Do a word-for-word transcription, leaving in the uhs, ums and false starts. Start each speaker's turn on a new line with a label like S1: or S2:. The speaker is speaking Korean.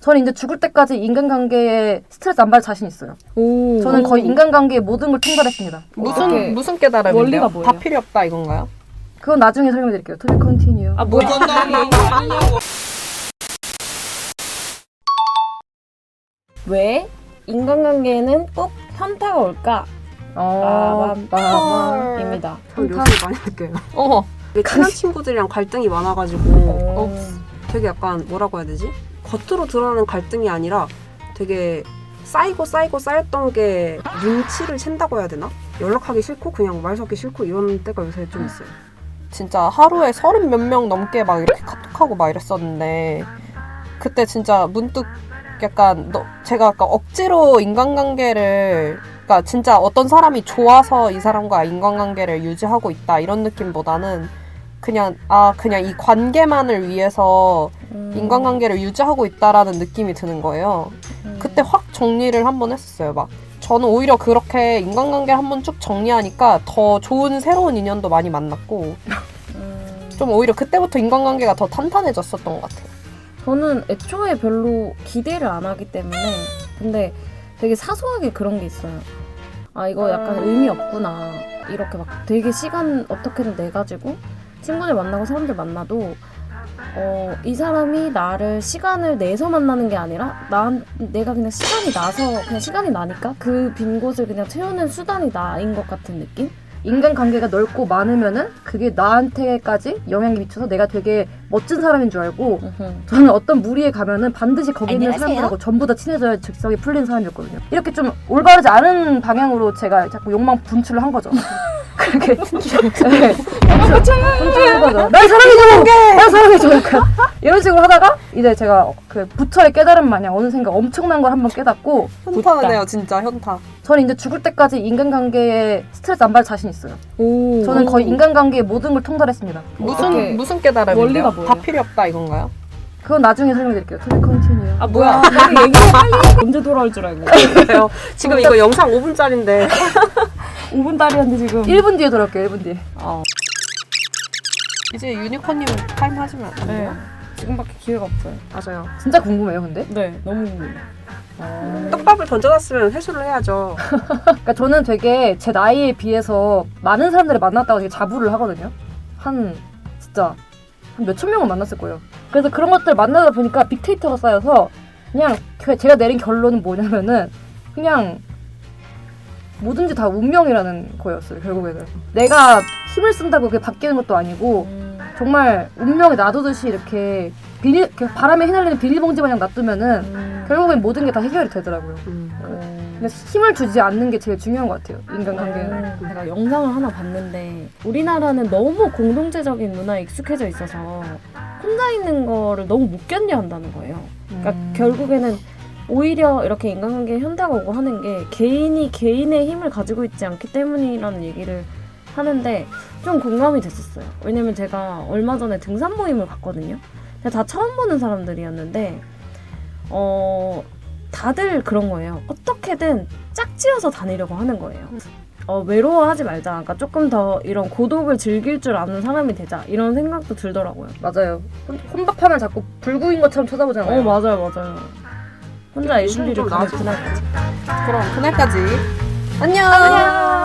S1: 저는 이제 죽을 때까지 인간관계에 스트레스 안 받을 자신 있어요.
S2: 오.
S1: 저는 거의 인간관계의 모든 걸 통달했습니다.
S3: 무슨
S2: 어떻게,
S3: 무슨 깨달음인데요?
S2: 원리가 뭐예요?
S3: 다 필요 없다 이건가요?
S1: 그건 나중에 설명드릴게요. To be continue.
S2: 아 뭐야? 왜 인간관계에는 꼭 현타가 올까?
S1: 어,
S2: 빠밤 입니다.
S4: 전 요새 많이 느껴요.
S3: 어.
S4: 이게 친한 친구들이랑 갈등이 많아가지고
S2: 어.
S4: 되게 약간 뭐라고 해야 되지? 겉으로 드러나는 갈등이 아니라 되게 쌓이고 쌓이고 쌓였던 게 눈치를 챈다고 해야 되나? 연락하기 싫고 그냥 말 섞기 싫고 이런 때가 요새 좀 있어요.
S3: 진짜 하루에 서른 몇 명 넘게 막 이렇게 카톡하고 막 이랬었는데 그때 진짜 문득 약간 너, 제가 아까 억지로 인간관계를 그러니까 진짜 어떤 사람이 좋아서 이 사람과 인간관계를 유지하고 있다 이런 느낌보다는 그냥 아 그냥 이 관계만을 위해서
S2: 음.
S3: 인간관계를 유지하고 있다라는 느낌이 드는 거예요.
S2: 음.
S3: 그때 확 정리를 한번 했었어요. 막 저는 오히려 그렇게 인간관계를 한번 쭉 정리하니까 더 좋은 새로운 인연도 많이 만났고
S2: 음.
S3: 좀 오히려 그때부터 인간관계가 더 탄탄해졌었던 것 같아요.
S2: 저는 애초에 별로 기대를 안 하기 때문에 근데 되게 사소하게 그런 게 있어요. 아 이거 약간 의미 없구나. 이렇게 막 되게 시간 어떻게든 내가지고 친구들 만나고 사람들 만나도 어, 이 사람이 나를 시간을 내서 만나는 게 아니라 난 내가 그냥 시간이 나서 그냥 시간이 나니까 그 빈 곳을 그냥 채우는 수단이 나인 것 같은 느낌?
S1: 인간관계가 넓고 많으면은 그게 나한테까지 영향이 미쳐서 내가 되게 멋진 사람인 줄 알고 저는 어떤 무리에 가면은 반드시 거기 있는
S2: 안녕하세요?
S1: 사람들하고 전부 다 친해져야 즉석이 풀리는 사람이었거든요. 이렇게 좀 올바르지 않은 방향으로 제가 자꾸 욕망 분출을 한 거죠. 그렇게 네, 분출한 거죠. 날 사랑해줘! 날 사랑해줘! 약간 이런 식으로 하다가 이제 제가 그 부처의 깨달음 마냥 어느샌가 엄청난 걸 한번 깨닫고
S3: 현타네요, 진짜 현타.
S1: 저는 이제 죽을 때까지 인간관계에 스트레스 안 받을 자신 있어요.
S2: 오.
S1: 저는 거의 인간관계의 모든 걸 통달했습니다.
S3: 무슨
S2: 어떻게,
S3: 무슨 깨달음인데요?
S2: 원리가 뭐예요?
S3: 다 필요 없다 이건가요?
S1: 그건 나중에 설명드릴게요. To be continue.
S2: 아 뭐야? 빨리 얘기해 빨리. 언제 돌아올 줄 알고.
S4: 그래요. 지금 이거 영상 오 분짜리인데
S2: 오 분 딸이었는데 지금.
S1: 일 분 뒤에 돌아올게요. 일 분 뒤에.
S2: 어.
S3: 이제 유니콘님 타임 하시면 안
S2: 네.
S3: 돼요?
S2: 지금밖에 기회가 없어요.
S4: 맞아요.
S1: 진짜 궁금해요, 근데.
S2: 네, 너무 궁금해요.
S4: 떡밥을 던져놨으면 회수를 해야죠.
S1: 그러니까 저는 되게 제 나이에 비해서 많은 사람들을 만났다고 되게 자부를 하거든요. 한 진짜 한 몇천 명은 만났을 거예요. 그래서 그런 것들 만나다 보니까 빅데이터가 쌓여서 그냥 그- 제가 내린 결론은 뭐냐면은 그냥 뭐든지 다 운명이라는 거였어요. 결국에는 내가 힘을 쓴다고 그게 바뀌는 것도 아니고
S2: 음.
S1: 정말 운명에 놔두듯이 이렇게 비닐, 이렇게 바람에 휘날리는 비닐봉지 마냥 놔두면은
S2: 음.
S1: 결국엔 모든 게 다 해결이 되더라고요.
S4: 음.
S2: 어.
S1: 근데 힘을 주지 않는 게 제일 중요한 것 같아요. 인간관계는.
S2: 음, 제가 영상을 하나 봤는데 우리나라는 너무 공동체적인 문화에 익숙해져 있어서 혼자 있는 거를 너무 못 견뎌 한다는 거예요. 그러니까
S1: 음.
S2: 결국에는 오히려 이렇게 인간관계에 현타가 오고 하는 게 개인이 개인의 힘을 가지고 있지 않기 때문이라는 얘기를 하는데 좀 공감이 됐었어요. 왜냐면 제가 얼마 전에 등산 모임을 갔거든요. 근데 다 처음 보는 사람들이었는데 어 다들 그런 거예요. 어떻게든 짝지어서 다니려고 하는 거예요. 어, 외로워하지 말자. 그러니까 조금 더 이런 고독을 즐길 줄 아는 사람이 되자. 이런 생각도 들더라고요.
S1: 맞아요. 혼- 혼밥하면 자꾸 불구인 것처럼 쳐다보잖아요.
S2: 어 맞아요 맞아요. 혼자
S4: 요즘
S2: 애슐리를
S4: 좀
S2: 가는
S4: 나아졌어.
S2: 그날까지.
S3: 그럼 그날까지 안녕.
S2: 안녕.